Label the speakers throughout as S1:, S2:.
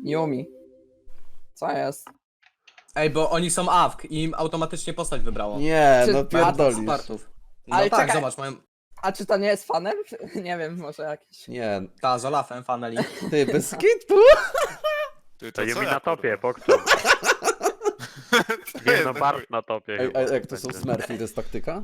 S1: Yumi. Co jest?
S2: Ej, bo oni są AWK i im automatycznie postać wybrało.
S3: Nie,
S1: Czy-
S3: no pierdolisz.
S2: Spartów. No
S1: Ale
S2: tak,
S1: czekaj.
S2: zobacz, mają...
S1: A czy to nie jest fanem? Nie wiem, może jakiś.
S3: Nie,
S2: Ta, z Olafem, Faneli.
S3: ty, bez kitu.
S4: Ty,
S5: To
S4: co
S5: Yumi
S4: ja,
S5: na topie,
S4: kurwa?
S5: Pokczam. Nie
S4: jest
S5: no,
S4: ten
S5: Bart na topie.
S3: Ej,
S5: chyba
S3: a jak to są
S5: będzie.
S3: smurfy, to jest taktyka?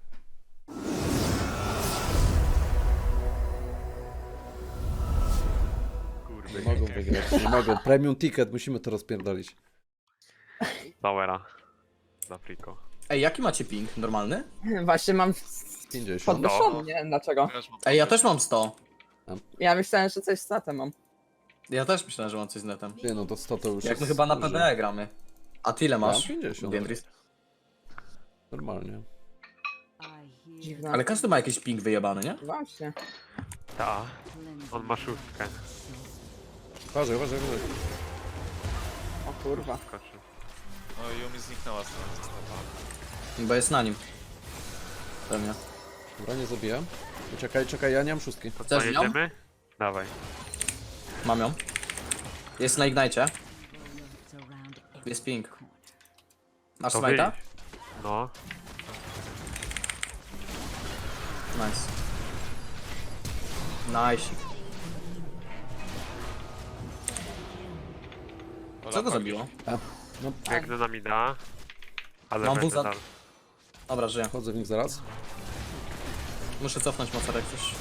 S5: Kurwy,
S3: Nie mogą wygrać, nie mogą. Premium ticket, musimy to rozpierdolić.
S5: Powera. Za friko.
S2: Ej, jaki macie ping? Normalny?
S1: Właśnie mam
S3: 50.
S1: podwyższony, nie wiem dlaczego.
S2: Ej, ja też mam 100.
S1: Ja myślałem, że coś z statem mam.
S2: Ja też myślałem, że mam coś z netem.
S3: Nie no, to 100 to już
S2: Jak my
S3: jest
S2: chyba na
S3: dużo.
S2: PDE gramy. A ty ile
S3: Mam
S2: masz?
S3: 50.
S2: Diendris?
S3: Normalnie.
S1: Dziwne.
S2: Ale każdy ma jakiś ping wyjebany, nie?
S1: Właśnie.
S5: Ta. On ma szóstkę.
S3: Uważaj, uważaj, uważaj.
S1: O kurwa.
S5: Skoczy.
S4: No i Yumi zniknęła z tego zestawu.
S2: Bo jest na nim. Pewnie.
S3: Dobra, nie zabijam. Czekaj, czekaj, ja nie mam szóstki.
S5: To co,
S2: Chcesz ją?
S5: jedziemy? Dawaj.
S2: Mam ją. Jest na Ignite. Jest ping. Masz
S5: To
S2: smite'a?
S5: wyjdź. No.
S2: Nice. Nice. Co go zabiło?
S3: No,
S5: Biegnę na mida. Ale
S2: Mam
S5: będę
S2: buza.
S5: dal.
S2: Dobra, żyję.
S3: wchodzę w nich zaraz.
S2: Muszę cofnąć mocarek coś.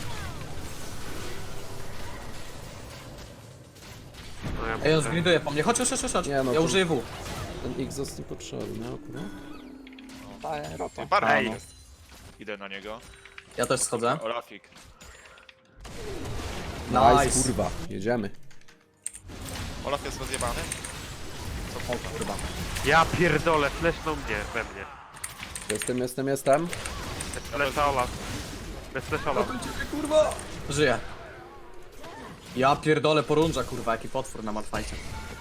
S5: No ja
S2: Ej, on
S5: muszę-
S2: zgriduje po mnie. Chodź, chodź, chodź, chodź.
S3: Nie, no
S2: Ja
S3: to-
S2: użyję W.
S3: Ten X jest niepotrzebny, o kurwa.
S1: Daję rota.
S4: Ty, Barman
S5: Ej.
S4: jest. Idę na niego.
S2: Ja też schodzę.
S4: Olafik.
S2: Nice.
S3: Kurwa, jedziemy.
S4: Olaf jest rozjebany?
S2: O kurwa.
S5: Ja pierdolę, flesznął mnie, we mnie.
S3: Jestem.
S5: Bez flesza Olaf. Bez flesza Olaf.
S2: Kurwa. Żyję. Ja pierdolę porunża, kurwa, jaki potwór na matfajcie.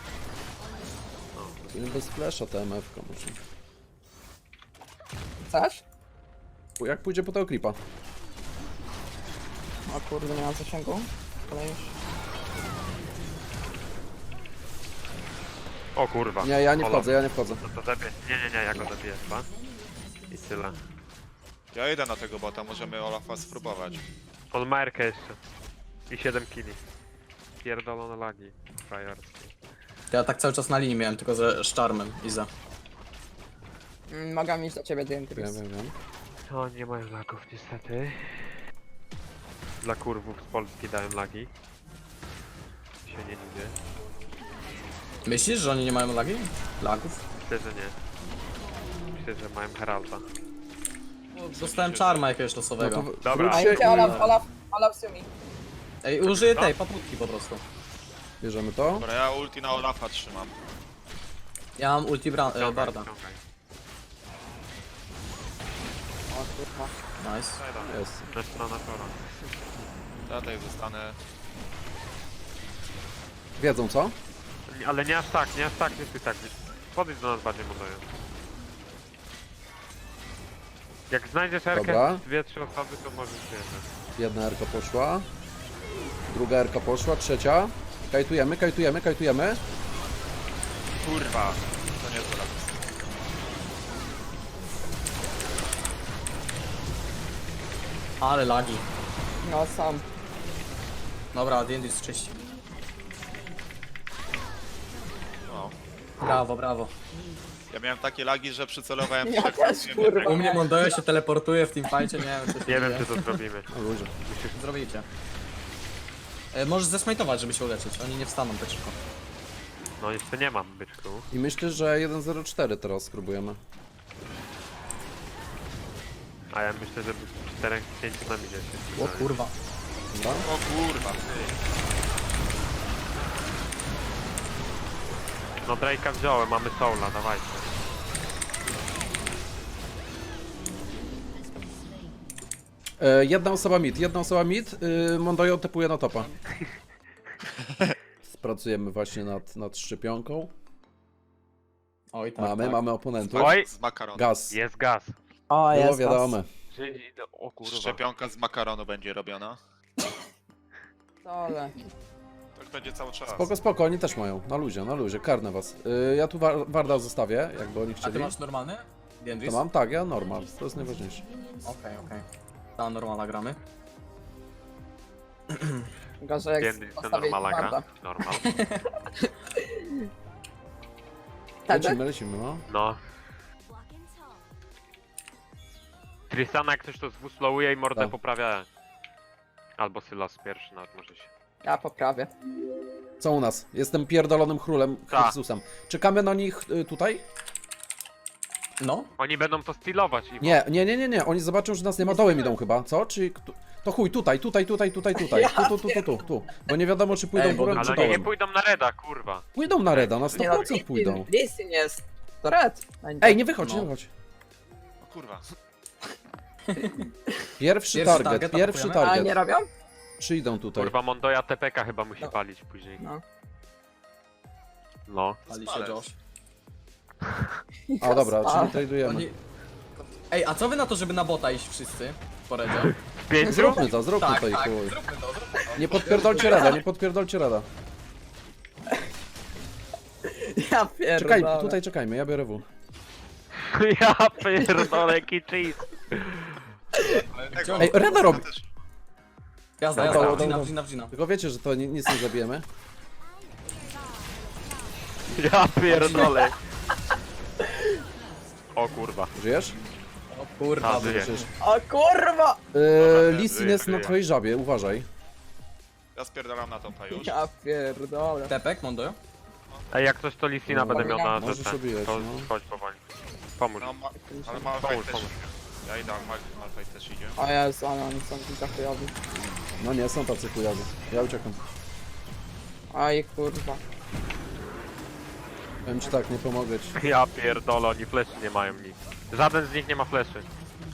S3: Bez flasha ta MF-ka może.
S1: Chcesz?
S3: Jak pójdzie po tego klipa?
S1: O kurde, nie mam zasięgu. Ale już.
S5: O kurwa.
S3: Nie, ja nie
S5: Olaf.
S3: wchodzę, ja nie wchodzę.
S5: No to zabiję. Nie, ja go zabiję chyba. I tyle.
S4: Ja idę na tego bota, możemy Olafa spróbować.
S5: On ma Erkę jeszcze. I 7 killi. Pierdolone lagi. Frajerskie.
S2: Ja tak cały czas na linii miałem, tylko że z Charmem, Iza.
S1: Mogę iść do ciebie, Dientris.
S3: Wiem.
S5: No, nie mają lagów niestety. Dla kurwów z Polski dają lagi. Się nie lubię.
S2: Myślisz, że oni nie mają lagi? Lagów?
S5: Myślę, że nie. Myślę, że mają Heralda.
S2: Dostałem Charma jakiegoś
S3: No
S2: losowego.
S3: to
S5: Dobra.
S1: A
S3: wróćcie
S1: idzie Olaf z Yumi.
S2: Ej, użyję tej paputki po prostu.
S3: i bierzemy to.
S4: Dobra, ja ulti na Olafa trzymam.
S2: Ja mam ulti
S5: Ciągaj,
S2: Barda.
S5: ciągaj.
S1: O kurwa.
S2: Nice.
S3: Jest.
S5: Na stronę Tora.
S4: Ja tutaj zostanę.
S3: Wiedzą co?
S5: Ale nie aż tak, nie stój tak. Podejdź do nas bardziej modoją. Jak znajdziesz Erkę,
S3: Dobra.
S5: 2-3 osoby, to możesz wjeżdżać.
S3: Jedna erka poszła. Druga erka poszła, trzecia. Kajtujemy.
S4: Kurwa. To nie jest Olaf.
S2: Ale lagi.
S1: No sam.
S2: Dobra, Diendris czyści.
S4: No.
S2: Brawo, brawo.
S4: Ja miałem takie lagi, że przycelowałem w
S1: Ja
S4: trzech,
S1: też,
S4: nie
S1: kurwa.
S4: wiem,
S2: U mnie Mondojo się teleportuje w teamfightie, nie wiem, co się
S5: Nie wiem,
S2: dzieje.
S5: czy to zrobimy.
S3: Na luzie.
S2: Zrobicie. Możesz zesmajtować, żeby się uleczyć. Oni nie wstaną tak szybko.
S5: No jeszcze nie mam, byczku.
S3: I myślę, że 1.04 teraz spróbujemy.
S5: A ja myślę, że 4-5 na midzie się.
S2: O kurwa.
S3: Dobra?
S4: O kurwa, ty.
S5: No Drake'a wziąłem, mamy Soula, dawajcie.
S3: Jedna osoba mid. Mondojo tepuje na topa. Pracujemy właśnie nad szczepionką.
S2: Oj, tak, tak.
S3: Mamy oponentów.
S5: Oj!
S4: Z makaronu.
S3: Gaz.
S5: Jest gaz.
S1: O,
S3: Było
S1: jest
S3: wiadome.
S5: Żydzi, o kurwa.
S4: Szczepionka z makaronu będzie robiona.
S1: Dole.
S4: Tak będzie cały czas.
S3: Spoko, spoko, oni też mają. Na luzie, karnę was. Ja tu Warda zostawię, jakby oni
S2: A ty
S3: chcieli.
S2: masz normalny? Gendris?
S3: To mam? Tak, ja normal, to jest najważniejsze.
S2: Okej. Ta normala gramy.
S1: Gorzej jak
S5: Gendry to
S1: postawię
S5: normala gra.
S1: twarda.
S5: Normal.
S1: Tak,
S3: Lecimy, no.
S5: No. Tristana jak coś to zwuslowuje i mordę
S3: Tak.
S5: poprawia. Albo Sylas pierwszy nawet może się.
S1: ja poprawię.
S3: Co u nas? Jestem pierdolonym królem
S5: Tak.
S3: Chrystusem. Czekamy na nich tutaj?
S2: No.
S5: Oni będą to stylować i
S3: Nie. Oni zobaczą, że nas nie ma, dołem idą chyba, co? Czy... To chuj, tutaj. Tu. Bo nie wiadomo, czy pójdą
S2: Ej, bo
S3: górą,
S5: Ale
S3: czy
S5: oni nie
S3: dołem.
S5: pójdą na Reda, kurwa.
S3: Pójdą na Reda, na
S1: Nie no,
S3: 100% pójdą.
S1: Listin jest. To red. Będzie.
S3: Ej, nie wychodź,
S2: No.
S3: nie wychodź.
S4: O kurwa.
S3: Pierwszy
S2: target,
S3: target, pierwszy
S2: atakujemy.
S1: A nie
S3: target.
S1: robią?
S3: Przyjdą tutaj.
S5: Kurwa Mondoya TPK chyba musi
S1: No.
S5: palić później.
S1: No.
S5: No.
S2: Pali się
S4: Spalec.
S2: Josh.
S3: A dobra,
S1: A.
S3: czyli tradujemy.
S2: Oni... Ej, a co wy na to, żeby na bota iść wszyscy? Poredzie.
S5: W pięciu?
S3: Zróbmy to, zróbmy
S2: Tak,
S3: to i
S2: tak,
S3: chuj.
S2: zróbmy to.
S3: Nie podpierdolcie Reda.
S1: Ja pierdolę.
S3: Czekaj, tutaj czekajmy, ja biorę W.
S5: Ja pierdolę, jaki cheese.
S3: Ej, Reda robi.
S2: Jazda,
S3: Dobra,
S2: jazda,
S3: dobra.
S2: wdzina.
S3: Tylko wiecie, że to nic nie zabijemy.
S5: Ja pierdolę. O kurwa.
S3: Żyjesz?
S2: O kurwa,
S5: A, żyje.
S3: Żyjesz.
S1: O kurwa!
S3: Listin jest na twojej żabie, uważaj.
S4: Ja spierdalam na topa już.
S1: Ja pierdolę.
S2: Tepek, Mondo.
S5: Ej, jak coś to Listina
S3: No,
S5: będę miał na
S3: możesz
S5: rzece.
S3: obijać,
S5: To
S3: no.
S5: chodź powoli. Pomóż.
S4: No, ale Malphite
S5: Pomóż,
S4: też
S5: pomóż.
S4: idzie. Ja idę, Malphite też idzie.
S1: O Jezu, ale oni są tu chujowi.
S3: No nie, są tacy chujowi. Ja uciekam.
S1: Aj kurwa.
S3: Powiem ci tak, nie pomogę ci.
S5: Ja pierdolę, oni fleszy nie mają nic. Żaden z nich nie ma fleszy.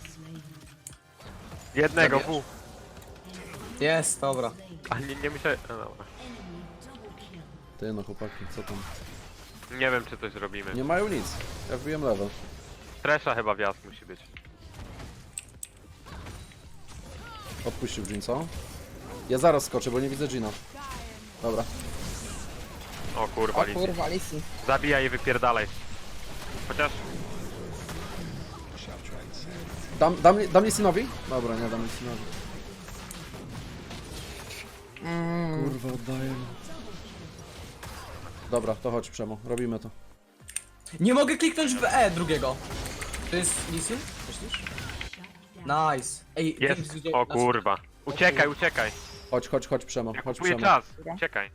S5: Jednego, W.
S2: Jest, dobra.
S5: A nie myślę... No dobra.
S3: Ty no chłopaki, co tam?
S5: Nie wiem czy coś zrobimy.
S3: Nie mają nic. Ja wbiłem level.
S5: Tresha chyba wjazd musi być.
S3: Odpuścił Jin, co? Ja zaraz skoczę, bo nie widzę Gina. Dobra.
S5: O kurwa,
S1: O
S5: Lissin.
S1: kurwa, Listin.
S5: Zabijaj i wypierdalaj. Chociaż...
S3: Dam Listinowi? Dobra, nie dam Listinowi. Kurwa, oddaję. Dobra, to chodź Przemo, robimy to.
S2: Nie mogę kliknąć w E drugiego. To jest Lisin? Myślisz? Nice. Ej,
S5: Jest.
S2: Gendris idzie-
S5: O kurwa. Uciekaj, uciekaj.
S3: Chodź Przemo,
S5: Ja
S3: chodź
S5: kupuję
S3: Przemo.
S5: czas. Uciekaj.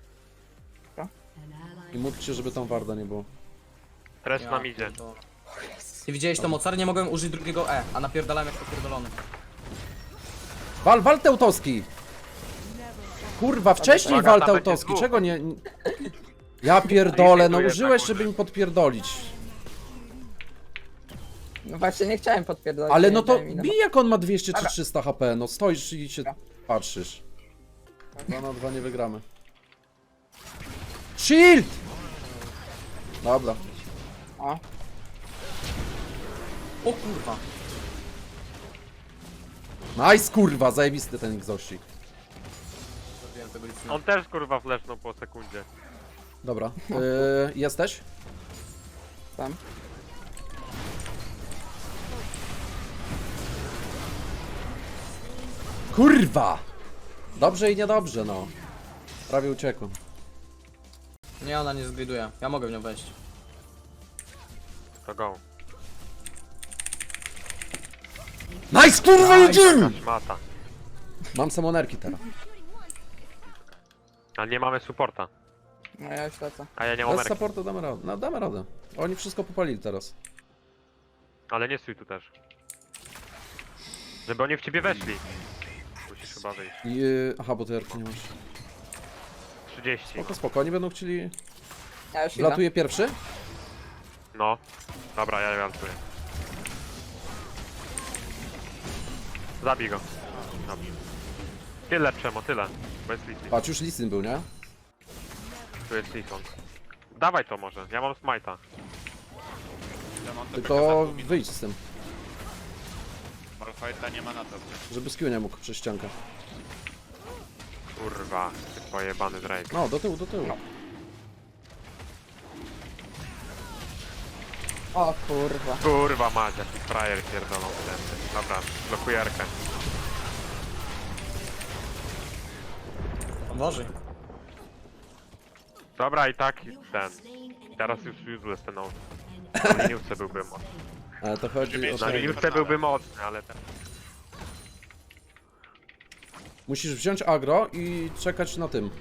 S3: I módl się, żeby tam Warda nie było.
S5: Trash
S2: Ja
S5: nam idzie.
S2: pierdolę. Ty widziałeś to mocar? Nie mogłem użyć drugiego E, a napierdalałem jak popierdolony.
S3: Wal Teutowski! Kurwa, wcześniej
S5: Uwaga,
S3: wal
S5: tam będzie
S3: Teutowski,
S5: dwóch.
S3: czego nie... Ja pierdolę, no
S5: Dziękuję,
S3: użyłeś,
S5: tak,
S3: żeby mi podpierdolić.
S1: No właśnie nie chciałem podpierdolić.
S3: Ale
S1: nie
S3: no to
S1: daj mi,
S3: bij jak on ma 200 czy 300 HP, no stoisz i się patrzysz. 2 na 2 nie wygramy. Shield! Dobra.
S1: O,
S2: O kurwa.
S3: Nice kurwa, zajebisty ten egzościk.
S2: Zrobiłem tego Lisina.
S5: On też kurwa flesznął po sekundzie.
S3: Dobra, jesteś?
S1: tam.
S3: Kurwa! Dobrze i niedobrze, no. Prawie uciekłem.
S2: Nie, ona nie zgriduje. Ja mogę w nią wejść.
S5: To go.
S3: Nice kurwa, jedziemy!
S5: Taka szmata.
S3: Mam samonerki teraz.
S5: Ale nie mamy supporta.
S1: No ja już lecę.
S5: A ja nie mam
S3: Bez
S5: merki.
S3: supportu damy radę. No damy radę. Oni wszystko popalili teraz.
S5: Ale nie stój tu też. Żeby oni w ciebie weszli. Musisz chyba wyjść.
S3: I, aha, bo ty erki nie masz.
S5: 30.
S3: Spoko, oni będą chcieli...
S1: Ja już idę.
S3: Wlatuje pierwszy?
S5: No. Dobra, ja walcuję. Zabij go. Dobrze. Tyle Przemo, tyle. Bez Lissi.
S3: Patrz, już Listin był, nie?
S5: Tu jest Lisson. Dawaj to może, ja mam smite'a.
S4: Ja mam
S3: Tylko wyjdź z tym,
S4: Malphite'a nie ma na to.
S3: żeby skill nie mógł przez ściankę.
S5: Kurwa, ty pojebany Drake.
S3: No, do tyłu, do tyłu.
S1: No. O kurwa.
S5: Kurwa mać, jaki frajer pierdolą wtedy. Dobra, blokuję Erkę.
S2: Boże.
S5: Dobra, i tak ten. Teraz już useless ten out. Na liniówce byłby mocny.
S3: Ale to chodzi o
S5: Na
S3: to.
S5: liniówce byłby mocny, ale ten...
S3: Musisz wziąć agro i czekać na tym.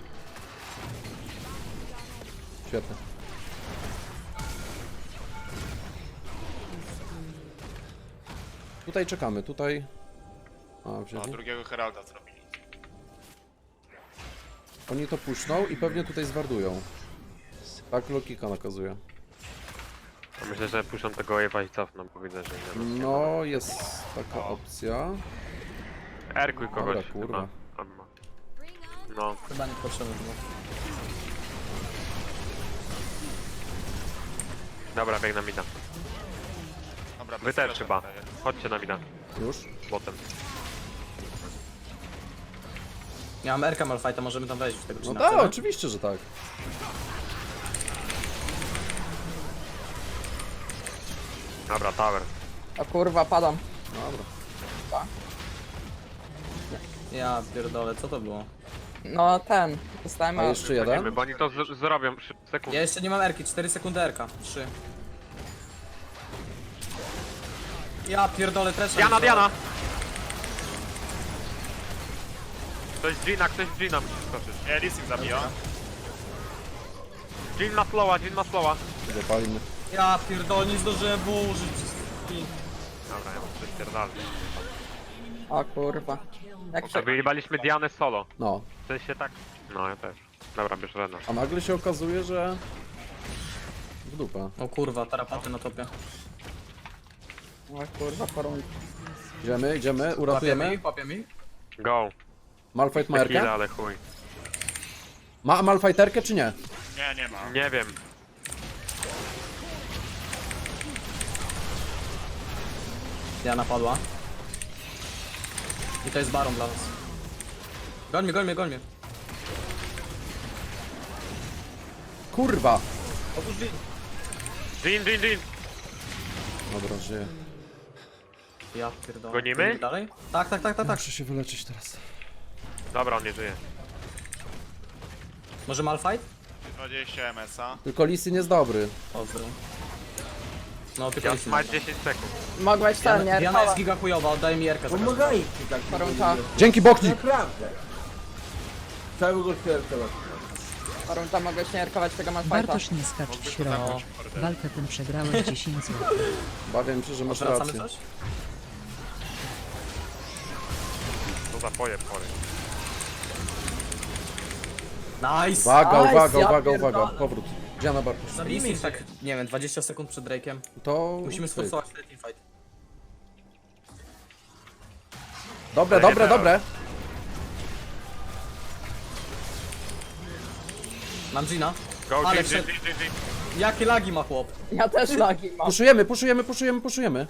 S3: Świetnie. Tutaj czekamy, tutaj... A,
S4: No,
S3: wzięli?
S4: drugiego Heralda zrobili.
S3: Oni to puszczą i pewnie tutaj zwardują. Tak logika nakazuje.
S5: Myślę, że puszczą tego wave'a i cofną, bo widzę, że nie ma.
S3: No, jest taka opcja.
S5: Erkuj kogoś
S3: Dobra, kurwa.
S5: chyba. Albo- No,
S2: Chyba nie potrzebne było.
S5: dobra, bieg na mida.
S4: Dobra,
S5: Wy
S4: bez
S5: też
S4: flasha
S5: chyba.
S4: daję.
S5: Chodźcie na mida.
S3: Już?
S5: Botem.
S2: Ja mam Erka Malfighta, możemy tam wejść w tego
S3: No
S2: Gina.
S3: tak,
S2: Chcemy?
S3: oczywiście, że tak.
S5: Dobra, tower.
S1: O kurwa, padam.
S3: Dobra.
S2: Ja pierdolę, co to było?
S1: No ten. Dostałem
S3: A jeszcze jeden?
S5: Chodzimy, bo oni to zrobią sekund.
S2: Ja jeszcze nie mam Erki, 4 sekundy Erka. 3. Ja pierdolę też.
S5: Diana, Diana! Ktoś z Gina, ktoś z Gina musi skoczyć.
S4: Nie, Lising zabija.
S5: Gin ma slowa, Gin ma slowa.
S3: Zapalimy.
S2: Ja pierdolę, nie zdążyłem wyłożyć.
S5: Dobra, ja muszę coś pierdolę.
S1: O kurwa. Jak się...
S5: Wyjebaliśmy Dianę solo.
S3: No.
S5: W sensie tak... No, ja też. Dobra, bierz Rena.
S3: A nagle się okazuje, że... W dupę.
S2: O kurwa, tarapaty na topie.
S1: O kurwa, porun.
S3: Idziemy, idziemy,
S2: Łapiemy
S3: uratujemy.
S2: ich, łapiemy ich.
S5: Go.
S3: Malfight ma
S5: Tequila,
S3: Erkę?
S5: ale chuj.
S3: Ma Malfighterkę czy nie?
S4: Nie, nie ma.
S5: Nie wiem.
S2: Diana padła. I to jest baron dla nas. Goń mnie, goń mnie, goń mnie.
S3: Kurwa!
S2: Otóż Jin.
S5: Gin, Gin, Gin!
S3: Dobra, żyję.
S2: Ja pierdolę.
S5: Gonimy?
S2: Gonimy dalej? Tak, tak, tak, tak, tak.
S3: Muszę się wyleczyć teraz.
S5: Dobra, on nie żyje.
S2: Może Malfight?
S4: 20 MS-a.
S3: Tylko Lisin jest dobry.
S2: Pozdro. No tylko
S5: Ja
S2: nic
S5: ma
S2: nie
S5: 10 sekund.
S1: Mogłeś ten, nie?
S2: Diana jest giga chujowa, oddaj mi Erkę.
S6: Pomagajcie tak.
S1: Porunta.
S3: Dzięki Boknik!
S6: Naprawdę. Całego świata.
S1: Porunta, mogę śmierkować tego Malfighta.
S7: Bartosz nie skacz w środku. Walkę tę przegrałeś 10 zł.
S3: Bawię się, że masz
S2: Wracamy
S3: rację.
S2: coś?
S5: To za pojem chory.
S2: Nice!
S3: Uwaga,
S1: Nice,
S3: uwaga,
S1: ja
S3: uwaga,
S1: pierdolę.
S3: uwaga. Powrót. Diana Bartosz.
S2: Zabijmy ich tak, nie wiem, 20 sekund przed Drake'em.
S3: To...
S2: Musimy
S3: cyk.
S2: sforsować ten teamfight.
S3: Dobre,
S5: To nie
S3: dobre,
S5: teraz.
S3: dobre.
S2: Mam Gina.
S5: Go,
S2: Ale
S5: Gin, Gin,
S2: przed-
S5: Gin, Gin, Gin.
S2: Jakie lagi ma chłop?
S1: Ja też lagi mam.
S3: Puszujemy, puszujemy, puszujemy, puszujemy.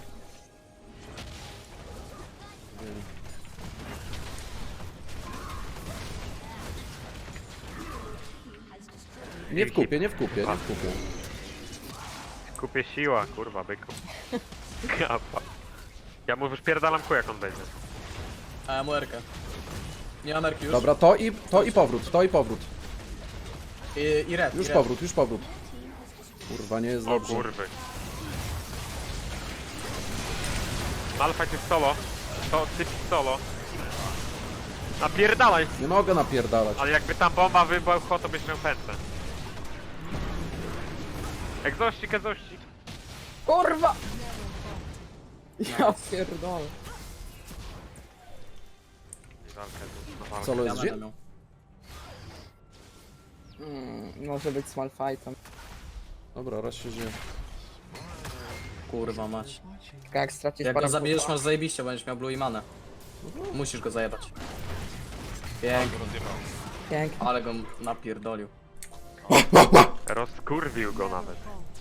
S3: Nie w kupie, nie w kupie, nie w kupie.
S5: Kupię siła, kurwa, byku. Kapa. Ja mu wyszpierdalam ku, jak on będzie.
S2: A ja mu Erkę. Nie mam Erki już.
S3: Dobra, to i powrót, to i powrót.
S2: I red,
S3: Już
S2: i red.
S3: powrót, już powrót. Kurwa, nie jest
S5: O
S3: dobrze.
S5: kurwy. Malfight jest solo. To typ solo. Napierdalaj!
S3: Nie mogę napierdalać.
S5: Ale jakby tam bomba wybuchła, to byś miał pętlę. Egzościk, egzościk.
S1: Kurwa! Ja pierdolę.
S3: Solo
S2: Ja
S3: jest
S2: będę
S3: Jin?
S2: miał.
S1: Może być z Malfightem.
S3: Dobra, raz się dzieje.
S2: Kurwa mać.
S1: Tylko jak stracisz
S2: Jak go
S1: parę
S2: zabijesz,
S1: punktów.
S2: masz zajebiście, będziesz miał blue i manę. Musisz go zajebać. Pięknie,
S1: Pięknie.
S2: ale go napierdolił.
S5: Rozkurwił go nawet.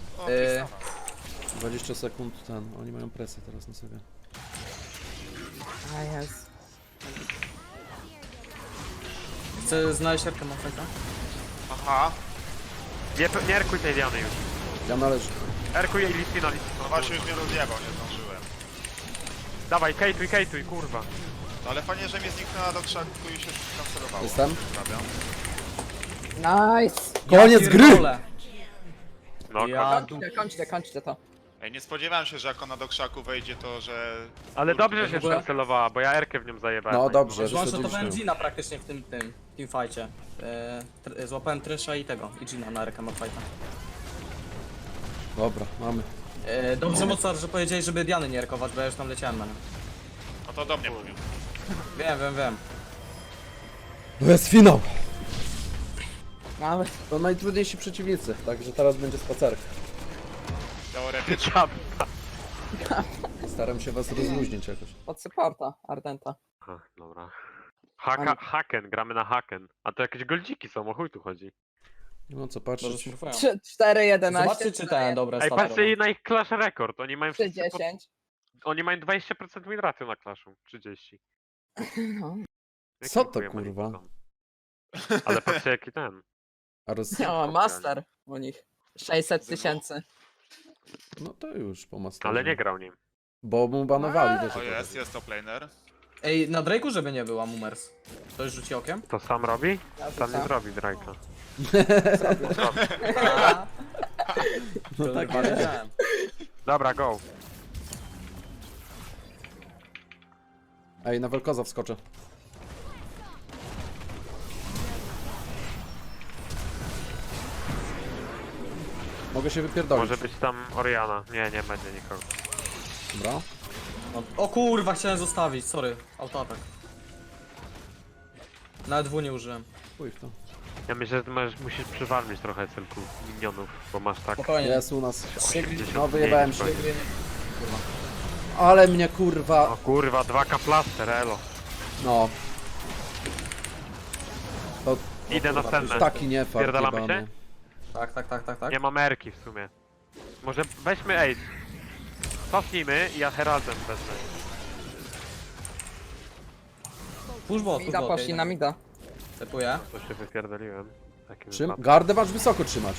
S3: 20 sekund ten. Oni mają presję teraz na sobie.
S1: A jest.
S2: Chcę znaleźć Erkę Malfighta.
S4: Aha,
S5: Nie erkuj tej Diany już.
S3: Ja należę.
S5: Erkuj jej Listina.
S4: no właśnie już mnie rozjebał, nie zdążyłem.
S5: Dawaj, kejtuj, kurwa.
S4: No ale fajnie, że mnie zniknęła do krzaku i się kancelowało.
S3: Jestem.
S4: Pozdrawiam.
S1: Nice!
S3: Koniec gry!
S2: pierdolę.
S5: No,
S2: Ja
S1: Kończcie to.
S4: Ej, nie spodziewałem się, że jak ona do krzaku wejdzie, to że...
S5: ale dobrze, że
S2: w ogóle-
S5: się cancelowała, bo ja Erkę w nią zajebałem.
S3: No dobrze, że
S2: Złączę
S3: sobie
S2: to
S3: liczyłem.
S2: Gina praktycznie w tym teamfightie. Złapałem Tresha i tego, i Gina na Erkę Malfighta.
S3: Dobra, mamy.
S2: Dobrze Mozart, że powiedzieli, żeby Diany nie erkować, bo ja już tam leciałem na nią.
S4: No to do mnie mówił.
S2: Wiem.
S3: To jest finał!
S1: Mamy.
S3: To najtrudniejsi przeciwnicy, także teraz będzie spacerka.
S4: Teoretycznie.
S3: Staram się was rozluźnić jakoś.
S1: Pod supporta, Ardenta.
S5: Aha, dobra. Haken, gramy na Haken. A to jakieś goldziki są, o chuj tu chodzi.
S3: No co
S2: Dobrze
S3: patrzeć.
S2: smurfują.
S1: 4, 11.
S2: Zobaczcie czy ten dobre
S5: Ej,
S2: staty
S5: patrzcie na ich Clash Record, oni mają
S1: 3,
S5: wszyscy
S1: 10.
S5: Oni mają 20% win ratio na Clashu, 30.
S1: No.
S5: Jakim
S3: Co to,
S5: chujem
S3: kurwa?
S5: oni są? Ale patrzcie jaki ten.
S3: A roz...
S1: No, master u nich. 600 000.
S3: No to już po masterze.
S5: Ale nie grał nim.
S3: Bo mu banowali, wiesz.
S4: O
S3: o co chodzi.
S4: jest top laner.
S2: Ej, na Drake'u żeby nie była Mumers. Ktoś rzuci okiem?
S5: To sam robi?
S1: Ja
S5: Sam nie
S1: rzucam.
S5: zrobi Drake'a.
S3: No tak jest.
S2: Wiedziałem.
S5: Dobra, go.
S3: Ej, na Welkoza wskoczę. Mogę się wypierdolić.
S5: Może być tam Oriana. Nie będzie nikogo.
S3: Dobra.
S2: No, o kurwa, chciałem zostawić, sorry. Autoatak. Nawet W nie użyłem.
S3: Chuj w to.
S5: Ja myślę, że ty musisz przywalmić trochę celków minionów, bo masz tak
S2: Spokojnie.
S3: Jest u nas.
S5: 80
S3: No wyjebałem się.
S5: mniej.
S3: Ale mnie kurwa.
S5: O kurwa, 2K plaster, elo.
S3: No. To
S5: Idę na senne.
S3: taki nie fart
S5: Pierdalamy
S3: jebany.
S5: się?
S2: Tak.
S5: Nie mam Erki w sumie. Może weźmy Ace. Cofnijmy i ja Heraldem wezmę.
S2: Push bot,
S1: Mida poszli na mida.
S2: Tepuję.
S5: To się wypierdoliłem. w takim
S3: Czym?
S5: wypadku.
S3: Gardę masz wysoko trzymać.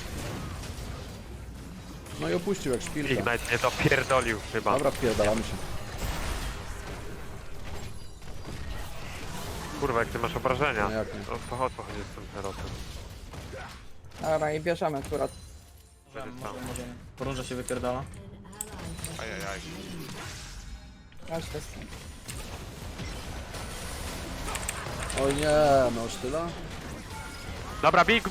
S3: No i opuścił jak szpilka.
S5: Ignite mnie to pierdolił chyba.
S3: Dobra, wpierdalamy się.
S5: Kurwa, jak ty masz obrażenia.
S3: No jak nie.
S5: To chodź z tym Heraldem.
S1: Dobra, i bierzemy akurat.
S2: Możemy. Porąża się wypierdala.
S4: Ajajaj.
S1: Aż to jest.
S3: O nie, no sztyla.
S5: Dobra, bij.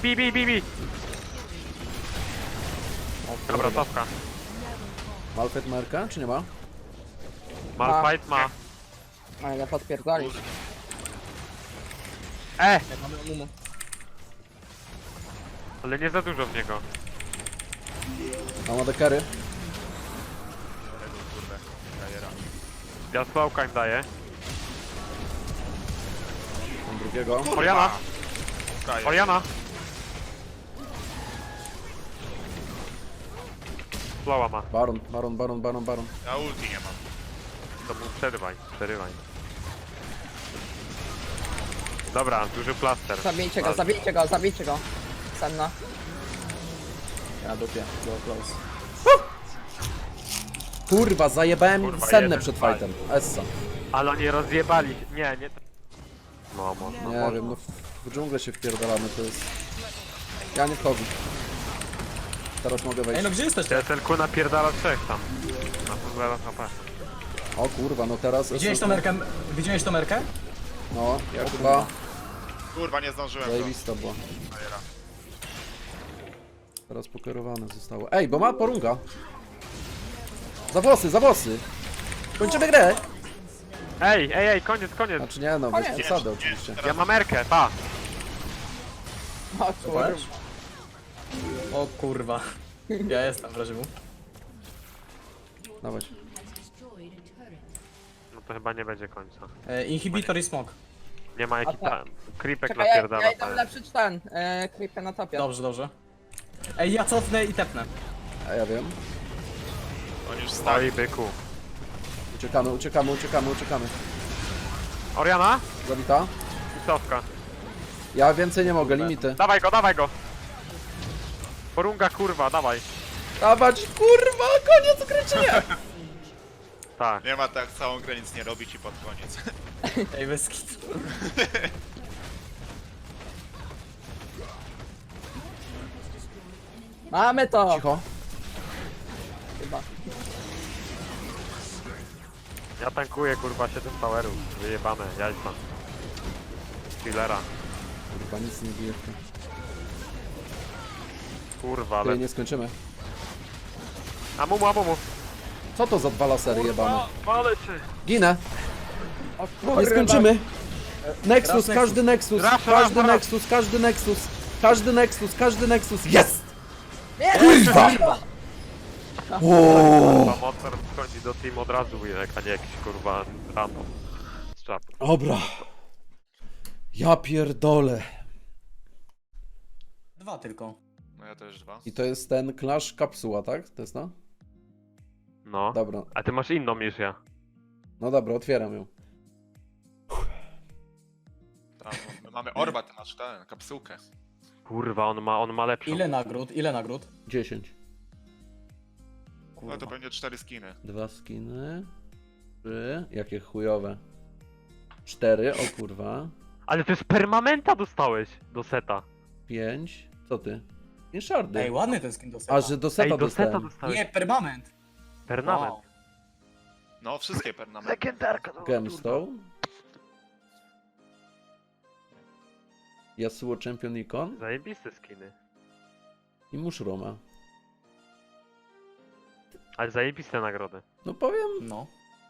S5: Dobra, cofka.
S3: Malfet Merka, czy nie ma?
S5: Malfight ma.
S1: A ile podpierdolić.
S2: Jak mamy Mumu.
S5: Ale nie za dużo w niego.
S3: A ma dekery?
S4: Kurde, gajera.
S5: Ja smoke'a im daję.
S3: Mam drugiego.
S5: Oriana!
S4: Kaję.
S5: Oriana! Slowa ma.
S3: Baron.
S4: Ja ulti nie mam.
S5: To mu przerywaj. Dobra, duży plaster.
S1: Zabijcie go. Senna.
S2: Ja dupię. Go close.
S3: Kurwa, zajebałem
S5: Kurwa,
S3: sennę
S5: jeden
S3: przed
S5: spali.
S3: fightem. Essa.
S5: Ale oni rozjebali. Nie. No,
S3: Nie wiem, no w dżunglę się wpierdalamy, to jest... Ja nie wchodzę. Teraz mogę
S2: Ej,
S3: wejść.
S2: no gdzie jesteście?
S5: Ten ku napierdala trzech tam. Na to zaraz HP.
S3: O kurwa, no teraz...
S2: Widziałeś tą merkę? Widziałeś tą merkę?
S3: No, ja chyba...
S4: Kurwa, nie zdążyłem go.
S3: Zajebista była.
S4: Gajera.
S3: Teraz pokierowane zostało. Ej, bo ma porunga. Za włosy! Kończymy grę!
S5: Ej, koniec.
S3: Znaczy nie, no bez
S1: Koniec.
S3: przesady oczywiście.
S5: Ja mam Erkę, pa.
S1: O kurwa.
S2: O kurwa. Ja jestem w razie W.
S3: Dawaj.
S5: No to chyba nie będzie końca.
S2: Inhibitor i smok.
S5: Nie ma jaki tam. Creepek
S1: Czekaj,
S5: napierdala.
S1: ja idę
S5: ale-
S1: ulepszyć ten. Creepy na topie.
S2: Dobrze. Ej, ja cofnę i tepnę.
S3: A ja wiem.
S4: Oni już stali.
S5: Oj, byku.
S3: Uciekamy.
S5: Oriana
S3: Zabita.
S5: i cofka.
S3: Ja więcej nie mogę, limity.
S5: Dawaj go, dawaj go! Porunga kurwa, dawaj.
S3: Dawać, kurwa, koniec gry czy nie?
S5: Tak.
S4: Nie ma tak całą grę nic nie robić i pod koniec.
S2: Ej, bez kitu.
S1: Mamy to!
S3: Cicho.
S1: Chyba.
S5: Ja tankuję kurwa 7 towerów. Wyjebane, jajca. Killera.
S3: Kurwa, nic nie bije.
S5: Kurwa,
S3: Ale
S5: ale...
S3: nie skończymy.
S5: Amumu, amumu.
S3: Co to za dwa lasery jebane?
S5: Walę się.
S3: Ginę.
S1: O
S3: Nie
S1: kurwa.
S3: skończymy. Nexus,
S2: Raz
S3: każdy Nexus,
S5: Raz,
S3: każdy
S5: raz.
S3: Nexus, każdy Nexus, każdy Nexus, każdy Nexus. Jest!
S1: Nie,
S3: Kurwa!
S5: Kurwa, Mozart wchodzi do team od razu, a nie jakiś kurwa random. Z czatu.
S3: Dobra. Ja pierdolę.
S2: 2 tylko.
S4: No ja też 2.
S3: I to jest ten Clash Kapsuła, tak? To jest no?
S5: No.
S3: Dobra.
S5: A ty masz inną niż ja.
S3: No dobra, otwieram ją.
S4: Tam, my mamy Orba, ty masz tę kapsułkę.
S5: Kurwa, on ma lepszą.
S2: Ile nagród? Ile nagród?
S3: 10.
S4: No to będzie 4 skiny.
S3: 2 skiny. 3. Jakie chujowe. 4, o kurwa.
S5: Ale to jest permanenta dostałeś do seta.
S3: 5. Co ty? Nie szardy.
S2: Ej, ładny ten skin do seta.
S3: A, że do seta
S5: Ej, do seta
S3: dostałem.
S5: dostałeś.
S2: Nie, permanent.
S5: Permanent.
S2: Wow.
S4: No, wszystkie pernamenty.
S5: Legendarka, no,
S3: Gemstone. Yasuo Champion Icon
S5: Zajebiste skiny.
S3: i Mushroma.
S5: Ale zajebiste nagrody.
S3: No powiem,
S2: No.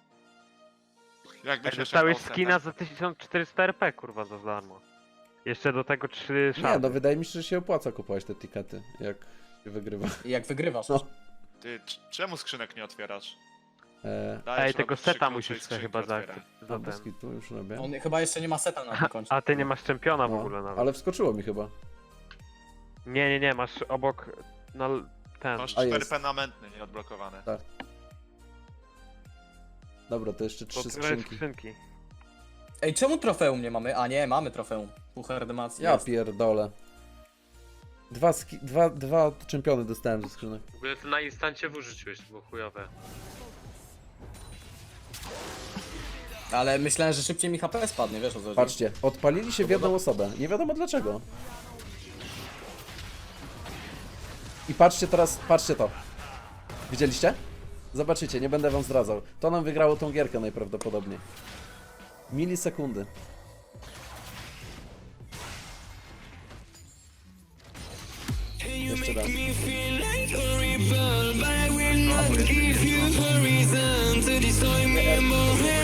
S4: Jakby
S5: Ej,
S4: się
S5: dostałeś
S4: szepnął
S5: skina
S4: setem.
S5: za 1400 RP, kurwa, za darmo. Jeszcze do tego 3
S3: nie,
S5: szardy.
S3: no wydaje mi się, że się opłaca kupować te tikety, jak się wygrywa.
S2: I jak wygrywasz.
S3: No.
S4: Ty, czemu skrzynek nie otwierasz?
S3: Eee,
S4: Dajesz
S5: Ej, tego
S4: robić 3
S5: seta
S4: klucze i
S5: musisz sobie
S4: skrzynki
S5: chyba
S4: otwieraj.
S5: za
S3: bez
S5: ten.
S3: kitu już robię.
S2: On chyba jeszcze nie ma seta na tym koncie.
S5: A ty nie masz czempiona w ogóle
S3: No,
S5: nawet.
S3: ale wskoczyło mi chyba.
S5: Nie, masz obok, no ten.
S4: Masz
S3: A
S4: 4
S3: jest.
S4: permanentne nieodblokowane.
S3: Tak. Dobra, to jeszcze 3
S5: Otwieraj
S3: skrzynki.
S2: Ej, czemu trofeum nie mamy? A nie, mamy trofeum. Puchar Demacji
S3: Ja
S2: jest.
S3: pierdolę. Dwa czempiony dostałem ze skrzynek.
S5: W ogóle to na instancie wyrzuciłeś, było chujowe.
S2: Ale myślałem, że szybciej mi HP spadnie, wiesz o co chodzi?
S3: Patrzcie, odpalili się w jedną osobę. Nie wiadomo dlaczego. I patrzcie teraz, patrzcie to. Widzieliście? Zobaczycie, nie będę wam zdradzał. To nam wygrało tą gierkę najprawdopodobniej. Milisekundy. Jeszcze raz.
S8: But I will not give you a reason to destroy me more.